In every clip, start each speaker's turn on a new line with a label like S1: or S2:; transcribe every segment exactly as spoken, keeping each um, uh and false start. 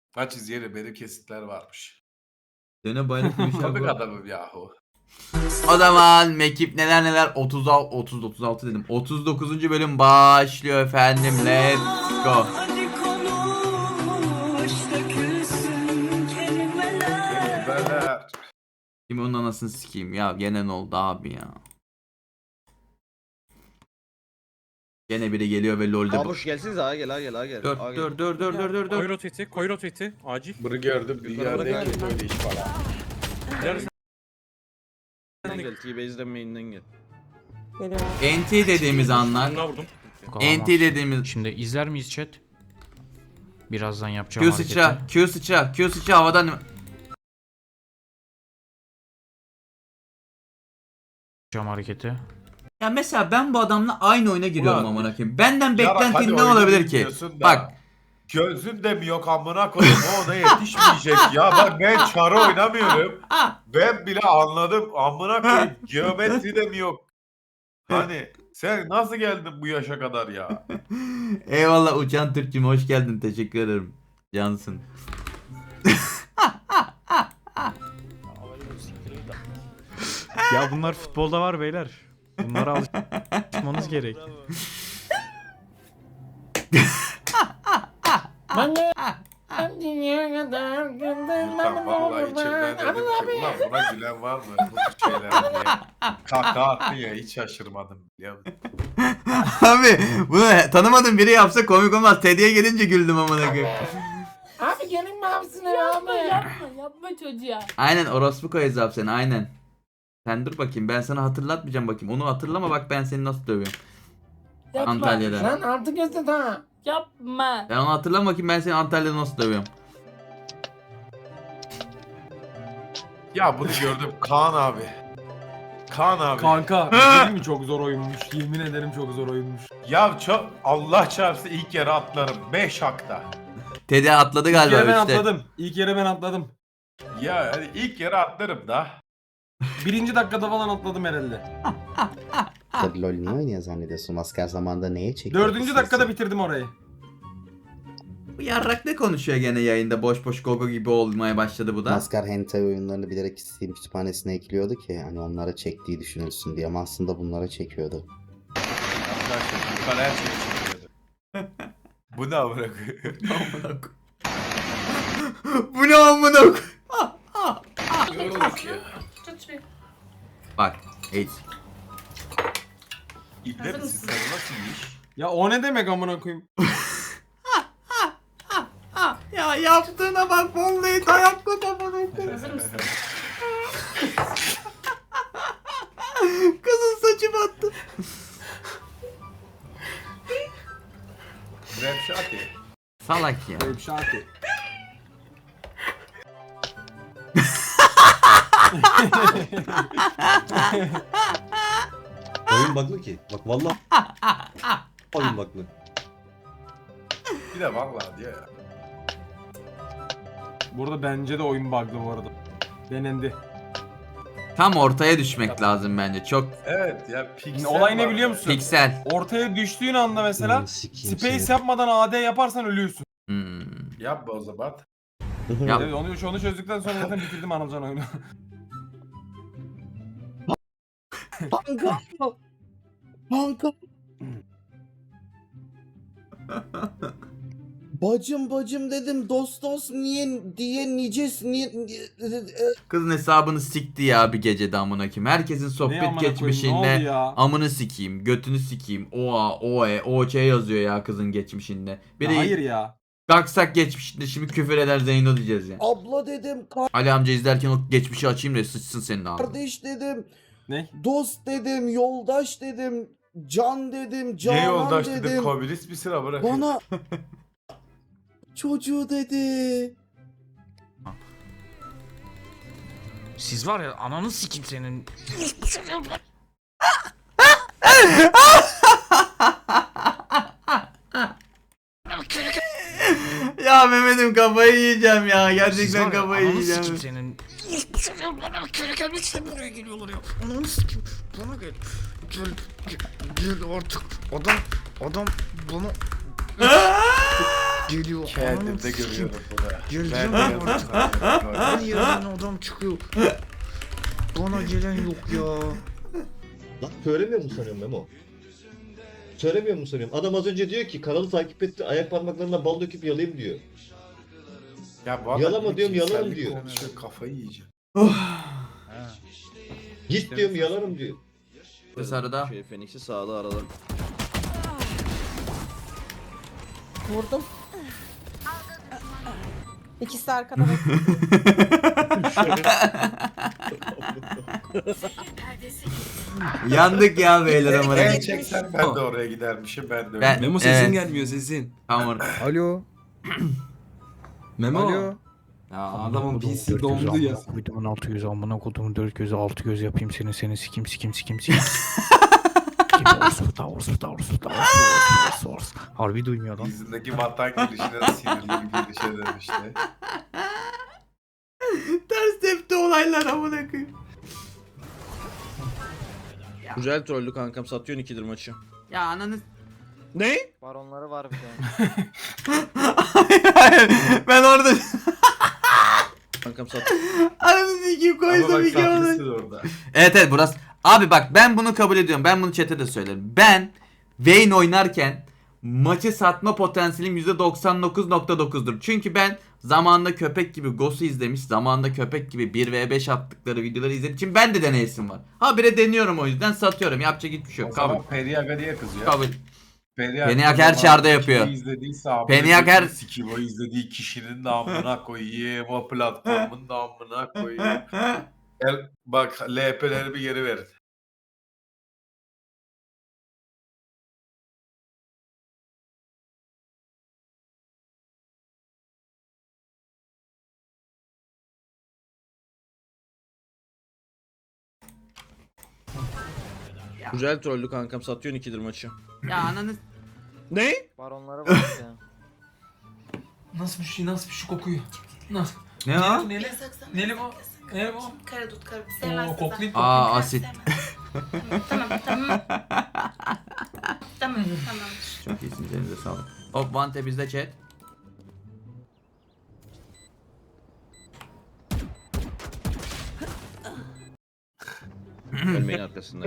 S1: Maç izleyelim, benim kesitler varmış.
S2: Döne bayrak bir şey
S1: Komik
S2: bu.
S1: adamım yahu.
S2: O zaman mekip neler neler otuz altı otuz otuz altı dedim. otuz dokuzuncu bölüm başlıyor efendim. Let's go.
S1: Kelimeler.
S2: Şimdi onun anasını sikeyim ya. Gene ne oldu abi ya. Gene biri geliyor ve lol'de bu.
S3: Abuş gelsiniz ağa gel ağa gel ağa gel.
S2: Dur
S3: ağa gel.
S2: dur dur dur dur dur dur.
S4: Koy roteti, koy roteti. Acil.
S1: Bunu gördüm, dünyada
S3: Yukarıda
S1: ilk böyle iş var.
S4: Nerede
S3: Main'den gel. T-Base'den main'den gel.
S2: N T dediğimiz anlar.
S4: Buna vurdum.
S2: N T dediğimiz.
S5: Şimdi izler miyiz chat? Birazdan yapacağım
S2: Q
S5: hareketi.
S2: sıçra, Q sıçra, Q sıçra havadan.
S5: Yapacağım hareketi.
S2: Ya mesela ben bu adamla aynı oyuna giriyorum
S1: Ulan,
S2: amına koyayım. Benden
S1: hadi
S2: beklentin ne
S1: oyunu
S2: olabilir ki?
S1: bilmiyorsun da.
S2: Bak.
S1: Gözün de mi yok amına koyayım, o ona yetişmeyecek ya. Bak ben çarı oynamıyorum. Ben bile anladım amına koyayım, geometri de mi yok? Hani sen nasıl geldin bu yaşa kadar ya?
S2: Eyvallah Uçan Türk'cüm, hoş geldin, teşekkür ederim. Cansın.
S5: Ya bunlar futbolda var beyler. Bunlara alışmanız gerek.
S1: Ulan vallahi içimden dedim ki ulan buna gülen var mı bu tür şeyler diye. Kaka attı ya, hiç şaşırmadım biliyor musun?
S2: Abi bunu tanımadığım biri yapsa komik olmaz. Teddy'ye gelince güldüm amına koyayım.
S6: Abi gelin mi abisine
S7: Yapma
S6: abi?
S7: yapma yapma çocuğa.
S2: Aynen orospu koyacağız abi seni, aynen. Sen dur bakayım, ben sana hatırlatmayacağım bakayım. Onu hatırlama, bak ben seni nasıl dövüyorum.
S7: Yapma.
S2: Antalya'da.
S6: Lan artık göster ha.
S7: Yapma.
S2: Ben onu hatırlama bakayım, ben seni Antalya'da nasıl dövüyorum.
S1: Ya bunu gördüm Kaan abi. Kaan abi.
S4: Kanka, değil mi çok zor oyunmuş. Yemin ederim çok zor oyunmuş.
S1: Ya çok Allah çarpsın ilk yere atlarım. beş hakta.
S2: Teddy atladı
S4: İlk
S2: galiba
S4: yere ben
S2: işte.
S4: atladım. İlk yere ben atladım.
S1: Ya hani ilk yere atlarım da.
S4: Birinci dakikada falan atladım herhalde.
S8: Tabii LoL niye oynuyor zannediyorsun? Asker zamanında neye çekiyor?
S4: Dördüncü dakikada bitirdim orayı.
S2: Bu yarrak ne konuşuyor gene yayında, boş boş gogo gibi olmaya başladı bu da.
S8: Maskar hentai oyunlarını bilerek Steam kütüphanesine ekliyordu ki hani onlara çektiği düşünülsün diye ama aslında bunlara çekiyordu.
S1: Arkadaşlar yukarı her şey çıkıyordu. Bu ne amına koyayım?
S2: Bu ne amına koyayım?
S1: Yorulduk ya.
S2: Bak, hey.
S1: İbne misin sen, nasıl bir iş?
S4: Ya o ne demek amına koyayım?
S2: Ya yaptığına bak, vallahi dayak koy amına koyayım.
S7: Hazır mısın?
S2: Kızın saçı battı.
S1: Rap şarkı.
S2: Salak ya.
S4: Böyle bir şarkı.
S9: Oyun bug'lı ki. Bak vallahi oyun bug'lı.
S1: Bir de vallahi diyor ya.
S4: Burada bence de oyun bug'lı bu arada. Denendi.
S2: Tam ortaya düşmek lazım bence. Çok
S1: Evet ya piksel
S4: Olay ne
S1: var.
S4: biliyor musun?
S2: piksel.
S4: Ortaya düştüğün anda mesela
S9: Ulan sikeyim
S4: space
S9: seni.
S4: yapmadan A D yaparsan ölüyorsun.
S2: Hmm.
S1: Yapma o zaman.
S2: Yap.
S4: Evet, onu, onu çözdükten sonra zaten bitirdim Anılcan oyunu.
S8: Kanka! Kanka! Bacım bacım dedim, dost dost niye diye nices niye, niye
S2: Kızın hesabını sikti ya bir gecede amına koyayım. Herkesin
S4: Ne
S2: sohbet
S4: amına koyayım, ne oldu
S2: geçmişinde
S4: ya?
S2: amını sikeyim, götünü sikeyim. Oa, oe, oç yazıyor ya kızın geçmişinde. Biri
S4: Ya hayır ya.
S2: kalksak geçmişinde şimdi küfür eder Zeyno diyeceğiz ya.
S8: abla dedim,
S2: Ali amca izlerken o geçmişi açayım da sıçsın senin ağzına.
S8: kardeş dedim,
S4: Ne?
S8: dost dedim, yoldaş dedim, can dedim,
S1: Ne
S8: canan
S1: yoldaş
S8: dedim.
S1: dedim, komünist misin amına?
S8: Bana çocuğu dedi.
S5: Siz var ya ananı sikim senin.
S2: Ya Mehmet'im kafayı yiyeceğim ya.
S5: Siz
S2: Gerçekten
S5: var ya
S2: kafayı
S5: ananı
S2: yiyeceğim.
S5: sikim senin. Köle gelmek için buraya geliyorlar ya. Ananı sikim. Bana gel. Gel. Gel, gel artık. Adam. Adam bana. Geliyor.
S1: Kendimde görüyorum bunu.
S5: Geleceğim
S1: Ben
S5: ben
S1: de
S5: artık.
S1: yapıyorum.
S5: Her yerden adam çıkıyor. Bana gelen yok ya.
S9: Lan söylemiyor mu sanıyorum Memo? Söylemiyor mu sanıyorum? Adam az önce diyor ki kanalı takip etti, ayak parmaklarına bal döküp yalayayım diyor.
S1: Ya bu adam
S9: Yalama diyorum, yalarım
S1: cinsellik
S9: diyor.
S1: konuşuyor, kafayı yiyeceğim.
S9: Git diyorum yalarım diyor.
S2: Sarıda.
S3: Şey Phoenix'i sağda arada.
S10: Vurdum. İkisi arkada bak.
S2: Yandık ya beyler ama.
S1: Ben çeksen ben de oraya gidermişim, ben de öyle.
S2: Ben-
S4: Memo sesin
S2: Evet.
S4: gelmiyor sesin.
S2: Tamam.
S5: Alo.
S4: Memo.
S5: Alo.
S4: Ya adamın P C dondu ya.
S5: Kodumun altı yüz amına kodumun dört gözü altı göz yapayım seni seni sikim sikim sikim sikim. Orsuda orsuda orsuda orsuda. Harbi duymuyor lan.
S1: Yüzündeki vatan girişine sinirli bir girişe dönüştü.
S2: Ters tepti olaylar amına koyayım.
S3: Güzel trollü kankam, satıyorsun ikidir maçı.
S2: Ya ananı.
S3: Ne?
S11: Baronları var bir de.
S2: Ben orada
S3: Kankam sat.
S2: ananı sikeyim
S1: Ama
S2: koysam
S1: bak
S2: iki onu.
S1: sahtesi de orada.
S2: Evet evet burası. Abi bak ben bunu kabul ediyorum. Ben bunu chat'e de söylerim. Ben Vayne oynarken maçı satma potansiyelim yüzde doksan dokuz nokta dokuzdur. Çünkü ben zamanında köpek gibi Ghost'u izlemiş, zamanında köpek gibi bir ve beş attıkları videoları izlediğim için ben de deneyesim var. Habire deniyorum, o yüzden satıyorum. Yapacak hiçbir şey
S1: O
S2: yok. Kabul.
S1: zaman Periyaga diye kızıyor.
S2: Kabul.
S1: Periyaga
S2: Peniak her çarda yapıyor.
S1: İzlediyse abi.
S2: Peniak her-
S1: Sikim o izlediği kişinin de amına koyayım. O platformun da amına koyayım. El, bak L P'leri bir geri verin.
S3: Güzel trollü kankam, satıyorsun ikidir maçı.
S2: Ya ananı.
S3: Ne?
S11: Baronları var bir de.
S4: Nasıl bir şey, nasıl bir şey kokuyor? Nasıl?
S2: Ne o?
S4: Neli? Neli bu? Ne bu?
S10: Karadut karadut.
S4: Oo, koklayıp
S2: Aa asit.
S10: Tamam tamam. Tamam tamam.
S2: Çok iyisiniz, elinize sağlık. Hop Vante bizde chat.
S3: Ölmeyin arkasında.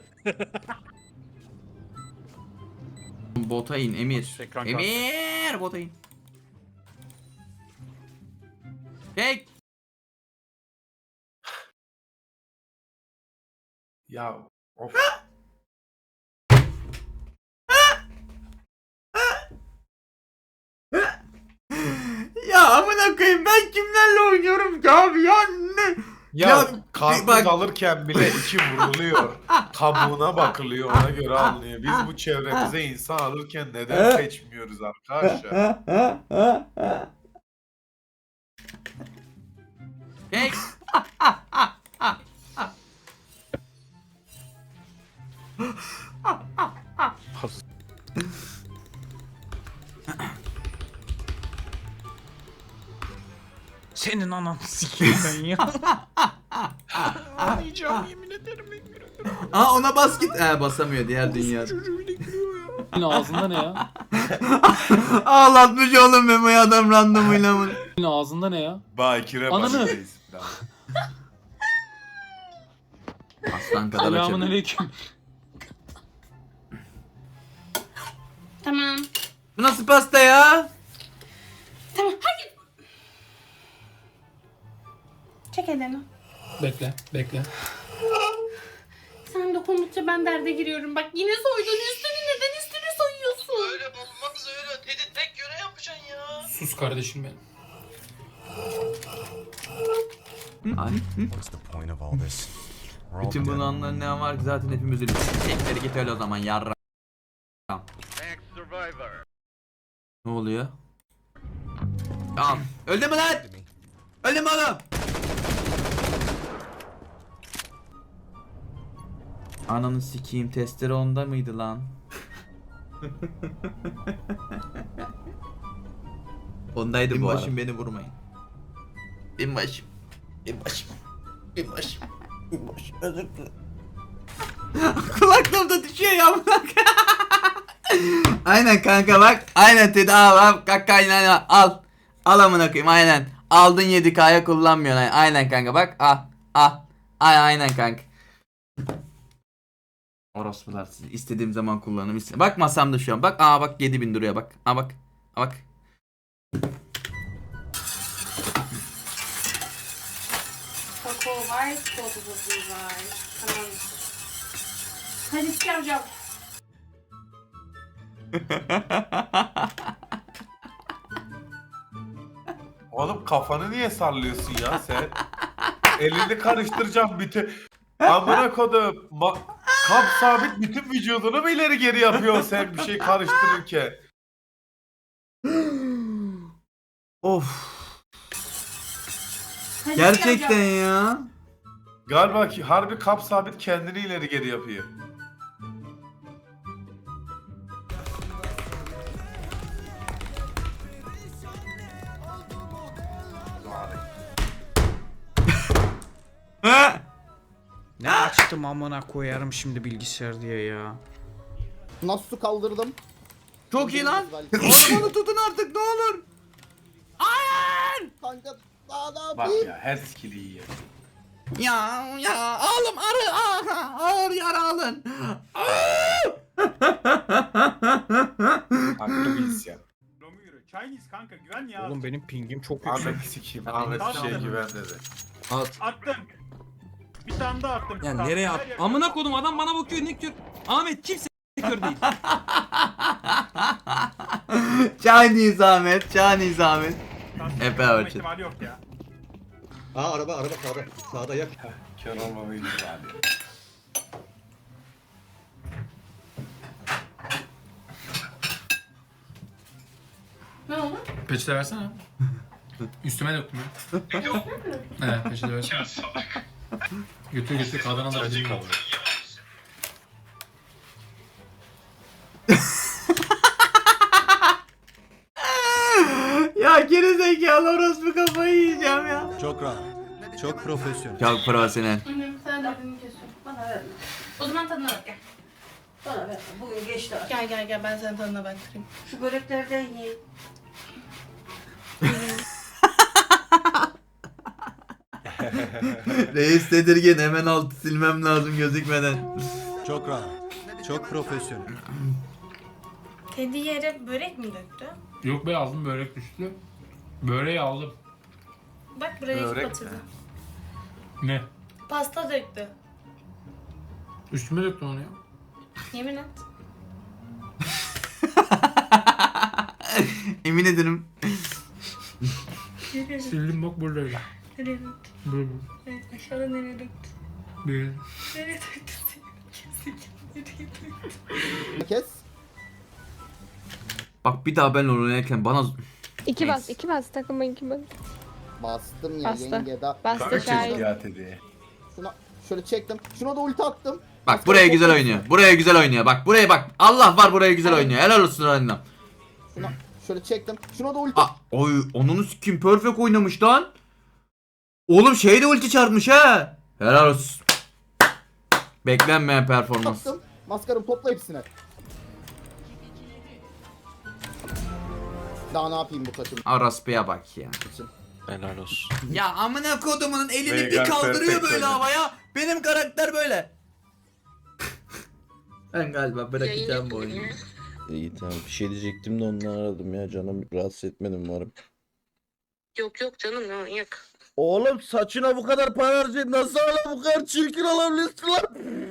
S2: Bota in Emir. Emir bota in. Tek.
S1: Ya of.
S2: Ya amına koyayım ben kimlerle oynuyorum ki abi ya ne?
S1: Ya,
S2: Ya,
S1: karpuz
S2: bak-
S1: alırken bile içi vuruluyor. Kabuğuna bakılıyor, ona göre alınıyor. Biz bu çevremize insan alırken neden seçmiyoruz arkadaşlar?
S2: Tek.
S5: Senin ananı sikeyim ben ya. Ağlayacağım yemin ederim.
S2: Aa ona bas git. He basamıyor diğer dünya.
S5: Çocuğu bile gülüyor ya.
S4: Yine ağzında ne ya?
S2: Ağlatmış oğlum Memo'yu adam randomuyla mı?
S4: Yine ağzında ne ya?
S1: Bakire
S4: Ananı.
S1: bakıreyiz.
S2: Aslan kadar
S4: Selamun
S2: açabilir.
S4: aleyküm.
S10: Tamam.
S2: Bu nasıl pasta ya?
S10: Tamam hadi. Çek elini.
S4: Bekle, bekle.
S10: Sen dokundukça ben derde giriyorum. Bak yine soydun üstünü, neden üstünü soyuyorsun?
S11: Öyle olmaz öyle. Dedi tek göre yapacaksın ya.
S4: Sus kardeşim benim.
S2: Ay. Bütün bunların ne var ki zaten hepimiz ölüyoruz. Tekleri git öyle o zaman yarra. Ne oluyor? Tamam. Öldü mü lan? Öldü mü oğlum? Ananı sikeyim, testere onda mıydı lan? Ondaydı bu arada. Binbaşım beni vurmayın. Binbaşım. Binbaşım. Binbaşım. Binbaşım özür dilerim. Kulaklığım da düşüyor ya bırak. Aynen kanka bak. Aynen Teddy al al. Kanka aynen al. Al. Al amına koyayım aynen. Aldın yedi K'ya kullanmıyorsun. Aynen, aynen kanka bak. Al. Al. Ay, aynen kanka. Orospular siz. İstediğim zaman kullanırım. İste- Bak masamda şu an. Bak aa bak yedi bin duruyor bak. Aa bak. Aa bak.
S10: Kakao var, çikolatası var. Tamam. Hadi çıkaracağım.
S1: Oğlum kafanı niye sallıyorsun ya sen? Elini karıştıracağım bütün. Amına kodum. Ma- Kap sabit bütün vücudunu mu ileri geri yapıyorsun sen bir şey karıştırırken?
S2: Of.
S10: Hadi
S2: Gerçekten
S10: çıkaracağım.
S2: ya.
S1: Galiba ki harbi kap sabit kendini ileri geri yapıyor.
S5: Ne açtım amına koyarım şimdi bilgisayar diye ya.
S8: Nasıl su kaldırdım?
S2: Çok iyi lan. Oğlum onu tutun artık ne olur.
S8: Kanka daha ne
S1: Bak
S8: yapayım?
S1: ya her skill'i iyi.
S2: Ya ya oğlum arı aha, ağır yara alın.
S1: Haklı bir isyan.
S4: Chinese kanka güven ya.
S5: Oğlum benim pingim çok yüksek.
S1: Ahmet sikiyim. Ahmet bir şey güven dedi.
S4: Attım. Bir tane daha attım.
S3: Ya nereye at? Amına kodum adam bana bakıyor ne kör. Ahmet kimse kör değil.
S2: Chinese Ahmet, Chinese Ahmet. Epe Orçun.
S4: İhtimali yok ya.
S9: Aa araba araba sağda. Sağda yak.
S1: Kör olmamayı ihtimali.
S10: Ne oldu?
S4: Peçete versene. Üstüme döktüm ya. Evet peçete versene. Götür götür kadına da acı kaldı.
S2: Ya geri zekalı orospu kafayı yiyeceğim ya.
S3: Çok rahat. Çok profesyonel.
S2: Çok profesyonel.
S10: Annem sen de elini kesiyorsun. Bana ver. O zaman tadına bak gel.
S6: Bana ver. Bugün geçti artık.
S10: Gel gel gel ben senin tadına baktırayım.
S6: Şu böreklerden ye.
S2: Reis tedirgin hemen altı silmem lazım gözükmeden.
S3: Çok rahat. Çok profesyonel.
S10: Teddy yere börek mi döktü?
S4: Yok be aldım börek düştü. Böreği aldım.
S10: Bak buraya
S1: Börek
S10: iki batırdı.
S4: Ne?
S10: Pasta döktü.
S4: Üstüme döktüm onu ya.
S10: Yemin et.
S2: Emin ederim.
S10: Nereye
S4: Sildim bak buradaydı.
S10: Nereye döktü?
S4: Burada.
S10: Evet, aşağıda nereye döktü?
S4: Bir.
S10: Nereye döktü? Nereye döktü?
S8: Kes.
S2: Bak bir daha ben oynarken bana...
S7: İki
S2: bas,
S7: bas, iki bas takıma iki bas.
S8: Bastım ya
S7: Bastı.
S8: yenge da.
S7: Bastı
S1: Kanka
S7: şahit.
S1: çekti ya Teddy'ye.
S8: Şuna şöyle çektim. Şuna da ulti attım.
S2: Bak buraya güzel oynuyor. Buraya güzel oynuyor. Bak buraya bak. Allah var buraya güzel oynuyor. Helal olsun oyundan.
S8: Şuna şöyle çektim. Şuna da ulti.
S2: Aa, oy onun kim perfect oynamış lan. Oğlum şey de ulti çarpmış ha. Helal olsun. Beklenmeyen performans.
S8: attım. Maskarım topla hepsini. Daha ne yapayım bu takım
S2: Araspı'ya bak ya.
S8: için?
S3: Helal olsun.
S2: Ya amına kodumunun elini bir
S1: Veigar
S2: kaldırıyor
S1: perfect
S2: böyle
S1: oynadı.
S2: havaya. Benim karakter böyle. Ben galiba bırakacağım bu oyunu.
S3: İyi tamam bir şey diyecektim de onu aradım ya canım rahatsız etmedim umarım.
S6: Yok yok canım ya yak.
S3: Oğlum saçına bu kadar para harcayıp nasıl hala bu kadar çirkin olabilirsin lan?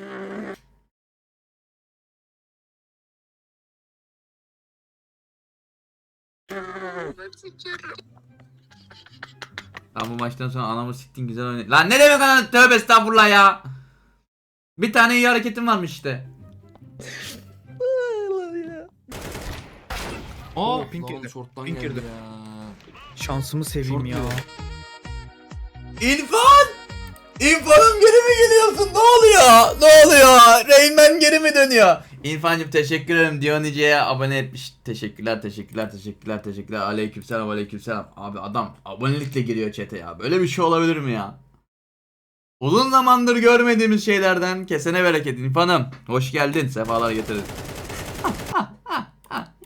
S2: Lan bu maçtan sonra anamı siktin güzel oynadı. Lan ne demek anam tövbe estağfurullah ya. Bir tane iyi hareketim varmış işte.
S5: Aa pink girdi. Pink girdi. Şansımı seveyim ya.
S2: İrfan! İrfan'ım geri mi geliyorsun? Ne oluyor? Ne oluyor? Rayman geri mi dönüyor? İrfan'cım teşekkür ederim. Dionice'ye abone etmiş. Teşekkürler, teşekkürler, teşekkürler, teşekkürler. Aleykümselam, aleykümselam. Abi adam abonelikle giriyor chat'e ya. Böyle bir şey olabilir mi ya? Uzun zamandır görmediğimiz şeylerden kesene bereket İrfan'ım. Hoş geldin. Sefalar getirdin.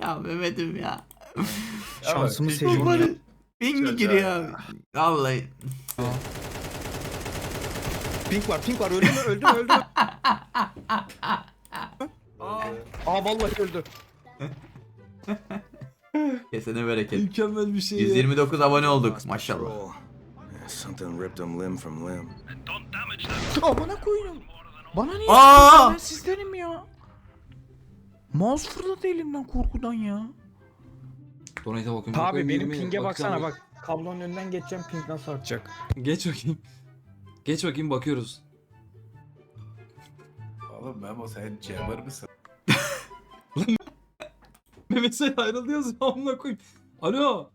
S2: Ya Mehmet'im ya.
S5: Şansımı
S1: peki.
S5: seviyorum ya.
S2: Pingi
S1: Çocuğa
S2: giriyor. Vallahi.
S5: Pink var pink var öldü mü öldü mü öldü mü? Aa vallahi öldü.
S2: Kesene bereket.
S5: Mükemmel bir şey
S2: yüz yirmi dokuz abone olduk maşallah.
S3: Something ripped them limb from limb. Amına koyayım. Bana niye
S2: Aa!
S3: yapıyorsun? Ben sizdenim ya. Mouse fırladı elimden korkudan ya.
S4: Donate'e bakıyorum.
S5: Abi benim pinge baksana bak. Kablonun önünden geçeceğim ping nasıl artacak?
S4: Geç bakayım. Geç bakayım bakıyoruz.
S1: Oğlum Memo sen cemur mısın?
S4: Mehmet sen ayrılıyoruz amına koyayım. Alo.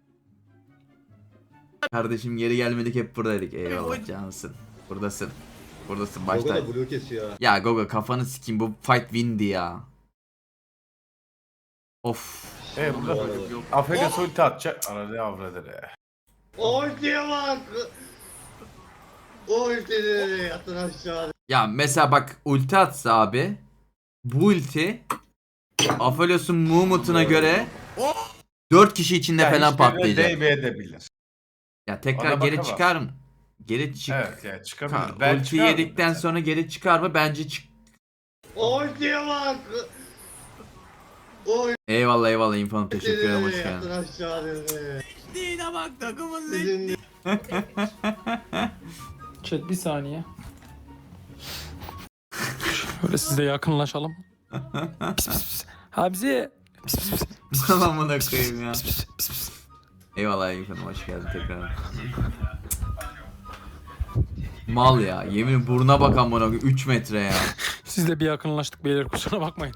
S2: Kardeşim geri gelmedik hep buradaydık. Eyvallah cansın. Buradasın. Buradasın
S9: Gogo
S2: başta.
S9: da blue kesiyor ha.
S2: Ya Gogo kafanı sikeyim bu fight windi ya. Of.
S1: E burada Afega ulti atacak. Arada avradır.
S9: Ultiye bak. Ultiye yatın aşağı.
S2: Ya mesela bak ulti atsa abi. Bu ulti Aphelios'un movement'ına göre dört kişi içinde falan patlayacak.
S1: Değmeyebilir.
S2: Ya tekrar
S1: Ona
S2: geri
S1: bakamaz.
S2: çıkar mı? Geri çık.
S1: Evet yani çıkabilir.
S2: Ka-
S1: Ben
S2: ulti
S1: çıkardım
S2: yedikten
S1: mesela.
S2: sonra geri çıkar mı? Bence çık.
S9: Ultiye bak.
S2: Eyvallah eyvallah infom teşekkür ederim hoş
S9: Yatın
S2: geldin.
S9: aşağı.
S2: Dine bak takımın
S9: Sizin
S4: Chat bir saniye. Böyle siz de yakınlaşalım. Pis pis pis. Hamzi. Pis pis pis.
S2: Amına koyayım ya. Eyvallah infom hoş geldin tekrar. Mal ya yemin buruna bak amına koyayım üç metre ya.
S4: Siz de bir yakınlaştık beyler kusura bakmayın.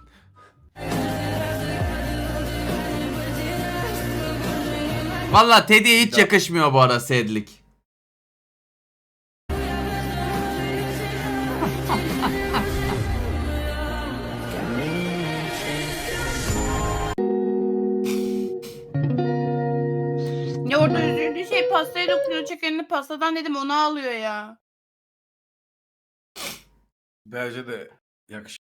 S2: Valla Teddy'ye hiç yakışmıyor bu ara sedlik.
S10: Ya orada üzüldüğü şey pastaya dokunuyor. Çek elini pastadan dedim onu alıyor ya.
S1: Bence de yakışır.